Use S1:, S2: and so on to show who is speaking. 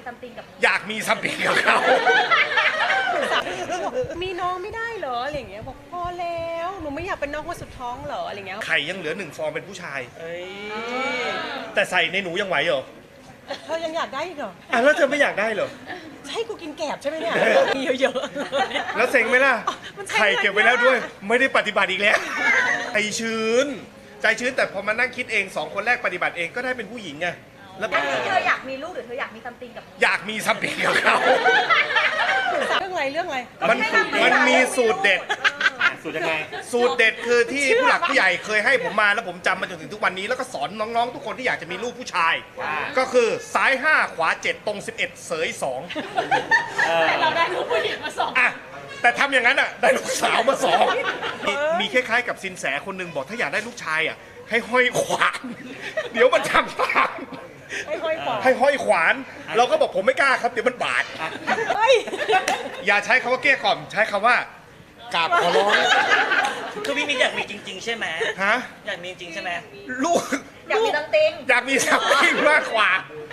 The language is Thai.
S1: ซัมติงกับ
S2: อยากมีซัมติงกับเขา
S3: มีน้องไม่ได้เหรออะไรอย่างเงี้ยบอกพอแล้วหนูไม่อยากเป็นน้องคนสุดท้องเหรออะไรเงี้ย
S2: ไข่ยังเหลือ1 ฟองเป็นผู้ชาย
S3: เอ้ย
S2: แต่ใส่ในหนูยังไหวเหรอ
S3: เธอยังอยากได้อีกเหรอ
S2: อ่ะแล้วเธอไม่อยากได้เหรอ
S3: จะให้กูกินแกบใช่ไหมเนี่ยมีเยอะๆ
S2: แล้วเซ็งไหมล่ะ
S3: มันใช้
S2: ไข่เก็บไว้แล้วด้วย
S3: เงินยาก
S2: ไม่ได้ปฏิบัติอีกแล้วใจชื้น ใจชื้นแต่พอมานั่งคิดเอง2 คนแรกปฏิบัติเองก็ได้เป็นผู้หญิงไงแล้ว
S1: อันนี้เธออยากมีลูกหรือเธออยากมีซัมติงกับ
S2: อยากมีซัมติงกับเขา
S3: เรื่องอะไร
S2: มันมีสูตรเด็ด
S4: สูตรยังไง
S2: สูตรเด็ดคือที่ผู้หลักผู้ใหญ่เคยให้ผมมาแล้วผมจำมาจนถึงทุกวันนี้แล้วก็สอนน้องๆ ทุกคนที่อยากจะมีลูกผู้ชาย ก็คือซ้าย 5 ขวา 7 ตรง 11 เสย2
S1: เราได้ลูกผู้หญิงมา2
S2: อ่ะแต่ทำอย่างนั้นอ่ะได้ลูกสาวมา2มีคล้ายๆกับสินแสคนหนึ่งบอกถ้าอยากได้ลูกชายอ่ะให้ห้อยขวาน เดี๋ยวมันทำตาม
S3: ให้ค่อยกว่า
S2: ให้ห้อยขวาน เราก็บอกผมไม่กล้าครับเดี๋ยวมันบาด
S3: เฮ้ย
S2: อย่าใช้คำว่าเกลี้ยกล่อมใช้คำว่ากราบขอร้อง
S4: คือพี่มิกอยากมีจริง ๆ ใช่ไหม
S2: ฮะ
S4: อยากมีจริงใช่ไหม
S2: ลูก
S1: อยากมีซัมติง
S2: อยากมีซัมติงมากกว่า